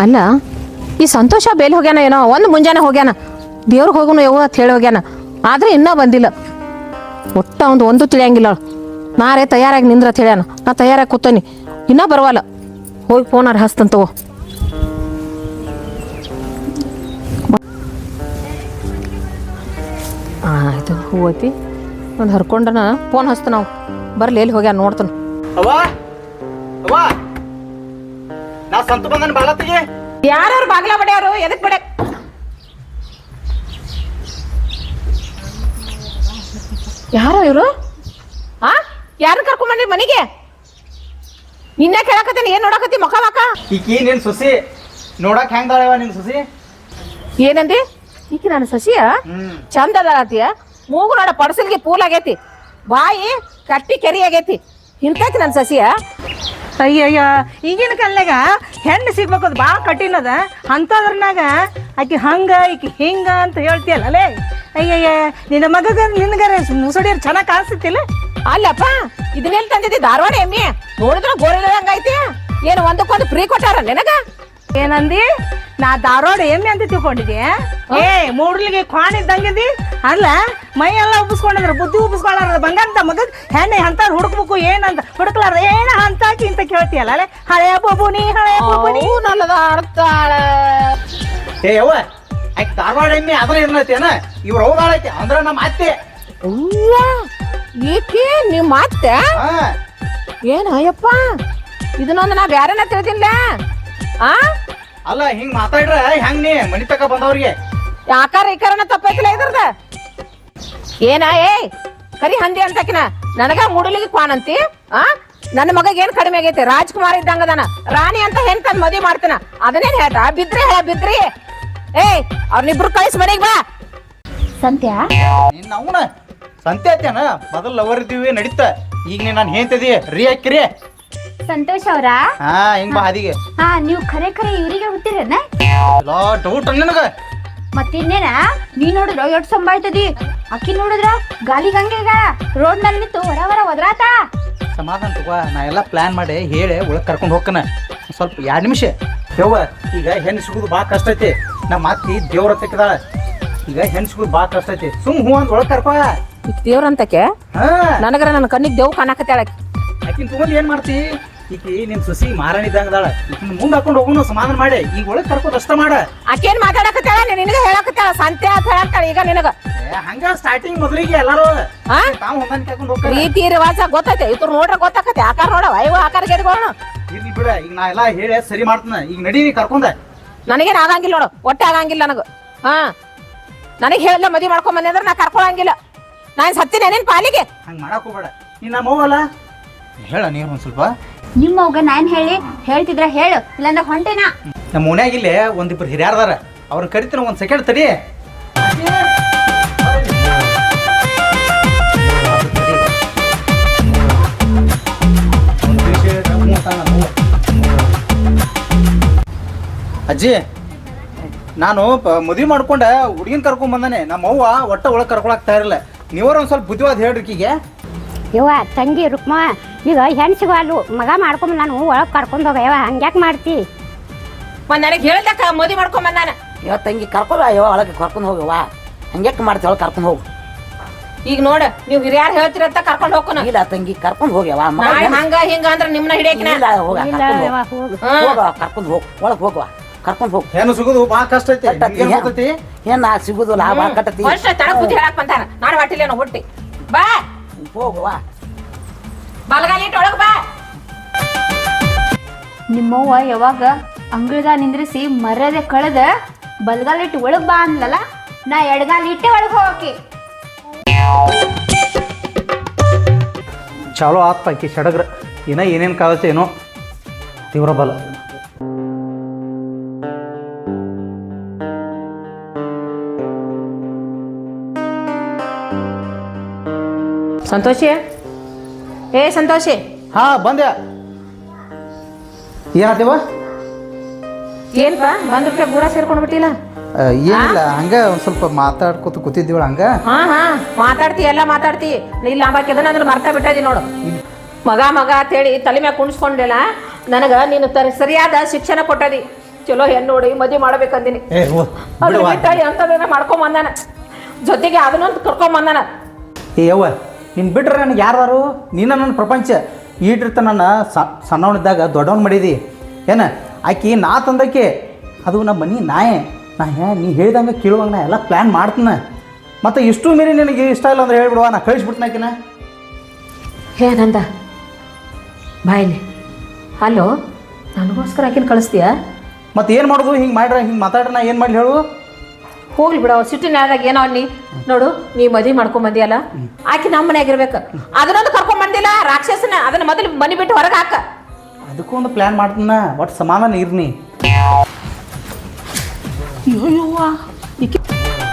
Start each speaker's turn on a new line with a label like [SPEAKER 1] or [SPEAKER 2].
[SPEAKER 1] ಅಲ್ಲ ಈ ಸಂತೋಷ ಬೇಲಿ ಹೋಗ್ಯಾನ ಏನೋ ಒಂದು ಮುಂಜಾನೆ ಹೋಗ್ಯಾನ ದೇವ್ರಿಗೆ ಹೋಗೋನು ಯಾವ ಅಂತ ಹೇಳಿ ಹೋಗ್ಯಾನ ಆದ್ರೆ ಇನ್ನೂ ಬಂದಿಲ್ಲ ಒಟ್ಟ ಒಂದು ತಿಳಿಯಂಗಿಲ್ಲ ನಾರೇ ತಯಾರಾಗಿ ನಿಂದ್ರ ಹೇಳ್ಯಾನ ನಾ ತಯಾರಾಗಿ ಕೂತೇನಿ ಇನ್ನೂ ಬರವಲ್ಲ ಹೋಗಿ ಫೋನಾರ ಹಸ್ತಂತವ ಆಯ್ತು ಹೂ ಐತಿ ಒಂದು ಹರ್ಕೊಂಡನ ಫೋನ್ ಹಸ್ತ ನಾವು ಬರ್ಲಿ ಎಲ್ಲಿ ಹೋಗ್ಯಾನ ನೋಡ್ತಾನ
[SPEAKER 2] ನಾ ಸಂತ ಬಂದನ್ ಬಾಳತ್ತಿಗೆ
[SPEAKER 1] ಯಾರು ಬಾಗ್ಲ ಬಡ್ಯಾರು ಎದಕ್ ಬಡ್ಯಾಕ ಯಾರು ಇವರು ಯಾರು ಕರ್ಕೊಂಬಂದ್ರಿ ಮನೆಗೆ ನಿನ್ನೆ ಕೇಳಕತ್ತೀನಿ ಏನ್ ನೋಡಕತ್ತಿ ಮಕ ಮಕ
[SPEAKER 2] ಈಕಿ ನಿನ್ ಸುಸಿ ನೋಡಕ್ ಹೆಂಗ್ದಾಳವ ನಿನ್ ಸುಸಿ
[SPEAKER 1] ಏನಂದಿ ಈಕಿ ನನ್ನ ಸಸಿಯ ಚಂದ ಅದಾಳತಿಯ ಮೂಗು ನೋಡ ಪಡಸಲ್ಗೆ ಪೂಲ್ ಆಗೈತಿ ಬಾಯಿ ಕಟ್ಟಿ ಕೆರಿ ಆಗೈತಿ ಇಂತೈತಿ ನನ್ನ ಸಸಿಯ
[SPEAKER 3] ಅಯ್ಯಯ್ಯ ಈಗಿನ ಕಾಲನಾಗ ಹೆಣ್ಣು ಸಿಗ್ಬೇಕು ಅದು ಭಾಳ ಕಠಿಣ ಅದ ಅಂಥದ್ರನಾಗ ಆಕಿ ಹಂಗ ಈಕಿ ಹಿಂಗ ಅಂತ ಹೇಳ್ತೀಯಲ್ಲೇ ಅಯ್ಯಯ್ಯ ನಿನ್ನ ಮಗಗ ನಿನ್ಗಾರ ಮುಸುಡಿಯರ್ ಚೆನ್ನಾಗಿ ಕಾಣಿಸ್ತಿಲ್ಲ
[SPEAKER 1] ಅಲ್ಲಪ್ಪ ಇದನ್ನೆಲ್ಲಿ ತಂದಿದ್ದಿ ಧಾರವಾಡ ಎಮ್ಮೆ ನೋಡಿದ್ರ ಗೋರಿಲ್ಲದಂಗೈತಿ ಏನು ಒಂದಕ್ಕೊಂದು ಫ್ರೀ ಕೊಟ್ಟಾರ ನಿನಗ
[SPEAKER 3] ಏನಂದಿ ನಾ ಧಾರವಾಡ ಎಮ್ಮೆ ಅಂತ ತಿಳ್ಕೊಂಡಿದ್ದೆ ಮೂಡ್ಲಿಗೆ ಕ್ವಾಣ ಇದ್ದಂಗಿದಿ ಅಲ್ಲ ಮೈ ಎಲ್ಲ ಉಬ್ಬಿಸ್ಕೊಂಡಿದ್ರ ಬುದ್ಧಿ ಉಬ್ಬಿಸ್ಕೊಳ್ಳಾರ ಬಂಗಂತ ಮಗಗ್ ಹೆಣ್ಣೆ ಅಂತ ಹುಡುಕ್ಬೇಕು ಏನಂತ ಹುಡುಕ್ಲಾರ ಏನ ಅಂತಾಕಿ ಅಂತ ಕೇಳ್ತೀಯಲ್ಲ ಅಲ್ಲೇ ಹಳೆಯ ಬೊಬುನಿ ಹಳೆಯ ಬೊಬುನಿ
[SPEAKER 1] ನಲ್ಲದ ಅರ್ತಾಳ
[SPEAKER 2] ಏ ಯವ್ವ ಆಯ್ತು ಧಾರವಾಡ ಎಮ್ಮೆ ಅದ್ರ ಏನೈತೇನ ಇವ್ರ ಹೌದಾಳೈತಿ ಅಂದ್ರ ನಮ್ಮ ಅತ್ತೆ
[SPEAKER 1] ಈಕಿ ನಿಮ್ಮ ಅತ್ತೆ ಏನ ಅಯ್ಯಪ್ಪ ಇದನ್ನೊಂದು ನಾ ಬ್ಯಾರೇನ ತಿಳಿದಿಲ್ಲ
[SPEAKER 2] ಅಲ್ಲ ಹಿಂಗ್ ಮಾತಾಡ್ರ ಹೆಂಗ್ ನೀ ಮನಿ ತಕ ಬಂದವ್ರಿಗೆ
[SPEAKER 1] ಆಕಾರ ಈಕಾರನ ತಪ್ಪೈತಿಲ್ಲ ಇದ್ರದ ಏನ ಕರಿ ಹಂದಿ ಅಂತಕಿನ ನನಗ ಮೂಡಲಿಗೆ ಕ್ವಾನಂತಿ ನನ್ನ ಮಗ ಏನ್ ಕಡಿಮೆ ಆಗೈತೆ ರಾಜ್ಕುಮಾರ್ ಇದ್ದಂಗದಾನ ರಾಣಿ ಅಂತ ಹೆಣ್ ತಂದ್ ಮದ್ವಿ ಮಾಡ್ತಾನ ಅದನ್ನೇನ್ ಹೇಳ್ತಾ ಬಿದ್ರಿ ಬಿದ್ರಿ ಅವ್ರನ್ನಿಬ್ರು ಕಳಿಸ್ ಮನೆಗ್ ಬಾ
[SPEAKER 4] ಸಂತ್ಯಾ
[SPEAKER 2] ನಿನ್ನ ಅವನ ಸಂತೆ ಐತೇನ ಮೊದಲ್ ಲವರ್ ಇದ್ದೀವಿ ನಡೀತ ಈಗ ನೀ ನಾನು ಹೇಳ್ತಿದಿ ರೀ ಹಾಕಿರಿ
[SPEAKER 4] ಸಂತೋಷ್ ಅವ್ರ
[SPEAKER 2] ಹಿಂಗ್ ಬಾ ಹಾದಿಗೆ
[SPEAKER 4] ನೀವು ಖರೆ ಖರೆ ಇವ್ರಿಗೆ ಹುಟ್ಟಿರೇನ
[SPEAKER 2] ಡೌಟ್ ನಿನಗ
[SPEAKER 4] ಮತ್ತಿನ್ನೇನ ನೀ ನೋಡಿದ್ರ ಎಷ್ಟ್ ಸಂಭಾಯ್ತದಿ ಅಕ್ಕಿ ನೋಡಿದ್ರ ಗಾಲಿ ಗಂಗೆಗ ರೋಡ್ ನಲ್ಲಿ ನಿಂತು ಹೊರ ಒದ್ರಾತ
[SPEAKER 2] ಸಮಾಧಾನ ತಗೋ ನಾ ಎಲ್ಲ ಪ್ಲಾನ್ ಮಾಡಿ ಹೇಳಿ ಒಳಗ್ ಕರ್ಕೊಂಡು ಹೋಗ್ಕನ ಸ್ವಲ್ಪ 2 ನಿಮಿಷ ಯವ್ವ ಈಗ ಹೆಣ್ಣು ಸಿಗುದು ಭಾಳ ಕಷ್ಟ ಐತಿ ನಮ್ಮ ಅತ್ತಿ ದೇವ್ರ ತೆಕ್ಕದಾಳ ಈಗ ಹೆಣ್ಣು ಸಿಗುದು ಭಾಳ ಕಷ್ಟ ಐತಿ ಸುಮ್ ಹೂ ಅಂತ ಒಳಗ್ ಕರ್ಕೋ
[SPEAKER 1] ದೇವ್ರಂತಕ್ಕೆ ನನಗರ ನನ್ನ ಕಣ್ಣಿಗೆ ದೇವ್ ಕಾಣಕತ್ತಾಳ
[SPEAKER 2] ಆಕಿನ ತಗೊಂಡ್ ಏನ್ ಮಾಡ್ತಿ ಈಕಿ ನಿಮ್ ಸುಸಿ ಮಾರಾಣಿ ಇದ್ದಂಗದಾಳ ಈಕಿನ ಮುಂದ್ ಹಾಕೊಂಡು ಹೋಗೋಣ ಸಮಾಧಾನ ಮಾಡಿ ಈಗ ಒಳಗ್ ಕರ್ಕೋದ್ ಅಷ್ಟ ಮಾಡ
[SPEAKER 1] ಆಕೇನ್ ಮಾತಾಡಕತ್ತಾಳ ನಿನಗ ಹೇಳಕತ್ತಾಳ ಸಂತೆ ಅಂತ ಹೇಳಕ್ತಾಳ ಈಗ ನಿನಗ
[SPEAKER 2] ಹಂಗ ಸ್ಟಾರ್ಟಿಂಗ್ ಮೊದಲಿಗೆ ಎಲ್ಲಾರು ತಾವ್ ಹೊಂದಾಣಿಕೆ ಹಾಕೊಂಡು ಹೋಗ್ತಾರೆ
[SPEAKER 1] ರೀತಿ ರಿವಾಜ ಗೊತ್ತೈತೆ ಇವ್ರು ನೋಡ್ರ ಗೊತ್ತಾಕತ್ತೆ ಆಕಾರ ನೋಡವ ಅಯ್ಯೋ ಆಕಾರ ಗೆದ್ಗೋಣ
[SPEAKER 2] ಇರ್ಲಿ ಬಿಡ ಈಗ ನಾ ಎಲ್ಲಾ ಹೇಳಿ ಸರಿ ಮಾಡ್ತಾನ ಈಗ ನಡಿ ಕರ್ಕೊಂಡ
[SPEAKER 1] ನನಗೇನ್ ಆಗಂಗಿಲ್ಲ ನೋಡು ಒಟ್ಟೆ ಆಗಂಗಿಲ್ಲ ನನಗ ನನಗೆ ಹೇಳಿಲ್ಲ ಮದ್ವಿ ಮಾಡ್ಕೊಂಡ್ ಬಂದೆ ಅಂದ್ರೆ ನಾ ಕರ್ಕೊಳಂಗಿಲ್ಲ ನಾನ್ ಸತ್ತಿನ ಏನೇನ್ ಪಾಲಿಗೆ
[SPEAKER 2] ಹಂಗ ಮಾಡಕ್ ಹೋಗ್ಬೇಡ ನೀನ್ ನಮ್ಮ ಅವ್ವಲ್ಲ ಹೇಳ ನೀನು ಒಂದ್ ಸ್ವಲ್ಪ
[SPEAKER 4] ನಿಮ್ಮ ಅವ್ಗ ನಾನ್ ಹೇಳ್ತಿದ್ರ ಹೇಳು ಇಲ್ಲಾಂದ್ರೆ ಹೊಂಟೇನಾ
[SPEAKER 2] ನಮ್ಮ ಮನ್ಯಾಗಿಲ್ಲೇ ಒಂದಿಬ್ರು ಹಿರಿಯಾರ್ದಾರ ಅವ್ರನ್ನ ಕರಿತೀನಿ ಒಂದ್ ಸೆಕೆಂಡ್ ತಡಿ ಅಜ್ಜಿ ನಾನು ಮದ್ವಿ ಮಾಡ್ಕೊಂಡ ಹುಡುಗಿನ ಕರ್ಕೊಂಡ್ ಬಂದಾನೆ ನಮ್ಮ ಅವ್ವ ಒಟ್ಟ ಒಳಗ್ ಕರ್ಕೊಳಕ್ ತಯಾರಿಲ್ಲ ನೀವ್ರ ಒಂದ್ ಸ್ವಲ್ಪ ಬುದ್ಧಿವಾದ ಹೇಳ್ರಿ ಈಕಿಗೆ
[SPEAKER 5] ಯವ್ವ ತಂಗಿ ರುಕ್ಮ ಈಗ ಹೆಣ್ಣು ಸಿಗಲ್ಲು ಮಗ ಮಾಡ್ಕೊಂಡ್ ನಾನು ಒಳಗೆ ಕರ್ಕೊಂಡು ಹೋಗ ಯವ್ವ ಹಂಗ್ಯಾಕೆ ಮಾಡ್ತಿ
[SPEAKER 1] ನನಗೆ ಹೇಳ್ದಕ್ಕ ಮದ್ವಿ ಮಾಡ್ಕೊಂಡ್ ಬಂದಾನ
[SPEAKER 6] ಇವತ್ತು ತಂಗಿ ಕರ್ಕೊಂಡು ಯವ್ವ ಒಳಗೆ ಕರ್ಕೊಂಡು ಹೋಗವ್ವ ಹಂಗ್ಯಾಕೆ ಮಾಡ್ತೀವಿ ಒಳಗೆ ಕರ್ಕೊಂಡು ಹೋಗು
[SPEAKER 1] ಈಗ ನೋಡ ನೀವು ಹಿರಿಯಾರು ಹೇಳ್ತಿರತ್ತ ಕರ್ಕೊಂಡು ಹೋಗೋಣ
[SPEAKER 6] ಇಲ್ಲ ತಂಗಿ ಕರ್ಕೊಂಡು ಹೋಗ್ಯವ
[SPEAKER 1] ಹಂಗ ಹಿಂಗ ಅಂದ್ರೆ ನಿಮ್ನ ಹಿಡಿಯಕಿನ
[SPEAKER 6] ಕರ್ಕೊಂಡು ಹೋಗ್ ಒಳಗೆ ಹೋಗುವ ಕರ್ಕೊಂಡು ಹೋಗು
[SPEAKER 2] ಹೆಣ್ಣು ಸಿಗುದು ಭಾಳ ಕಷ್ಟ ಐತಿ
[SPEAKER 6] ಏನ್ ಸಿಗುದಿಲ್ಲ ಭಾಳ ಕಟ್ಟತಿ
[SPEAKER 1] ತಳ ಬುದ್ಧಿ ಹೇಳಕ್ ಬಂತಾನ ನಾನು ಹೊಟ್ಟಿಲೇನೋ ಹುಟ್ಟಿ ಬಾ
[SPEAKER 6] ಹೋಗುವ
[SPEAKER 1] ಬಲಗಾಲಿ ಇಟ್ಟು ಒಳಗ್ ಬಾ
[SPEAKER 4] ನಿಮ್ಮವ್ವ ಯಾವಾಗ ಅಂಗಳದ ನಿಂದ್ರಿಸಿ ಮರ್ಯಾದೆ ಕಳೆದ ಬಲ್ಗಾಲಿಟ್ಟು ಒಳಗ್ ಬಾ ಅನ್ಲಲ್ಲ ನಾ ಎಡಗಾಲಿಟ್ಟೆ ಒಳಗ್ ಹೋಗಕ್ಕೆ
[SPEAKER 2] ಚಾಲೋ ಆತ್ ಆಕಿ ಸಡಗ್ರ ಏನ ಏನೇನು ಕಾಲತ್ತೆ ಏನೋ ತೀವ್ರ ಬಲ
[SPEAKER 1] ಸಂತೋಷಿ ಸಂತೋಷಿ
[SPEAKER 2] ಹಾ ಬಂದೆ ಏನಾತೇವ
[SPEAKER 1] ಏನ್ಪ ಬಂದ್ಬಿಟ್ಟೆ ಗೂಡ ಸೇರ್ಕೊಂಡ್ ಬಿಟ್ಟಿಲ್ಲ
[SPEAKER 2] ಏನಿಲ್ಲ ಹಂಗ ಒಂದ್ ಸ್ವಲ್ಪ ಮಾತಾಡ್ಕೊತ ಕೂತಿದ್ದೀವಳ ಹಂಗ
[SPEAKER 1] ಮಾತಾಡ್ತಿ ಎಲ್ಲ ಮಾತಾಡ್ತಿ ಇಲ್ಲ ಅಂಬಾಕಿದ ಅಂದ್ರೆ ಮರ್ತಾ ಬಿಟ್ಟದಿ ನೋಡು ಮಗ ಅಂತೇಳಿ ತಲೆ ಮ್ಯಾಗ ಕುಣಿಸ್ಕೊಂಡಿಲ್ಲ ನನಗ ನೀನು ಸರಿಯಾದ ಶಿಕ್ಷಣ ಕೊಟ್ಟದಿ ಚಲೋ ಹೆಣ್ಣು ನೋಡಿ ಮದುವೆ ಮಾಡ್ಬೇಕಂದಿನಿ
[SPEAKER 2] ಏ ಓ
[SPEAKER 1] ಅದ್ರ
[SPEAKER 2] ಬಿಡುವ
[SPEAKER 1] ಬಿಟ್ಟ ಎಂತದೇನ ಮಾಡ್ಕೊಂಡ್ ಬಂದಾನ ಜೊತೆಗೆ ಅದನ್ನೊಂದು ಕರ್ಕೊಂಡ್ ಬಂದಾನ
[SPEAKER 2] ಏ ಯವ್ವ ನಿನ್ ಬಿಟ್ರೆ ನನಗೆ ಯಾರು ನೀನ ನನ್ನ ಪ್ರಪಂಚ ಈಟಿರ್ತ ನನ್ನ ಸಣ್ಣವನಿದ್ದಾಗ ದೊಡ್ಡವನ್ ಮಾಡಿದಿ ಏನ ಆಕಿ ನಾ ತಂದಕ್ಕೆ ಅದು ನಮ್ಮ ಮನೆ ನಾಯೇ ನೀ ಹೇಳ್ದಂಗೆ ಕೇಳುವಂಗೆ ನಾ ಎಲ್ಲ ಪ್ಲ್ಯಾನ್ ಮಾಡ್ತೀನ ಮತ್ತು ಇಷ್ಟು ಮೀರಿ ನಿನಗೆ ಇಷ್ಟ ಇಲ್ಲ ಅಂದ್ರೆ ಹೇಳ್ಬಿಡುವ ನಾ ಕಳಿಸ್ಬಿಡ್ತೀನಾಕಿನ
[SPEAKER 1] ಏನಂದ ಬಾಯಿಲಿ ಹಲೋ ನನಗೋಸ್ಕರ ಆಕಿನ ಕಳಿಸ್ತೀಯಾ
[SPEAKER 2] ಮತ್ತು ಏನು ಮಾಡೋದು ಹಿಂಗೆ ಮಾಡ್ರೆ ಹಿಂಗೆ ಮಾತಾಡ್ರೆ ನಾ ಏನು ಮಾಡಲಿ ಹೇಳು
[SPEAKER 1] ಹೋಗ್ಲಿ ಬಿಡ ಸಿಟ್ಟಿನಾದಾಗ ಏನೋ ಅನ್ನಿ ನೋಡು ನೀ ಮದ್ವಿ ಮಾಡ್ಕೊಂಡ್ ಬಂದಿಯಲ್ಲ ಆಕಿ ನಮ್ಮ ಮನ್ಯಾಗ ಇರ್ಬೇಕು ಅದನ್ನೊಂದು ಕರ್ಕೊಂಡ್ ಬಂದಿಲ್ಲ ರಾಕ್ಷಸನ ಅದನ್ನ ಮೊದಲು ಮನಿ ಬಿಟ್ಟು ಹೊರಗೆ ಹಾಕ
[SPEAKER 2] ಅದಕ್ಕೂ ಒಂದು ಪ್ಲ್ಯಾನ್ ಮಾಡ್ತೀನ ಒಟ್ಟು ಸಮಾಧಾನ ಇರ್ನಿ
[SPEAKER 3] ಅಯ್ಯೋ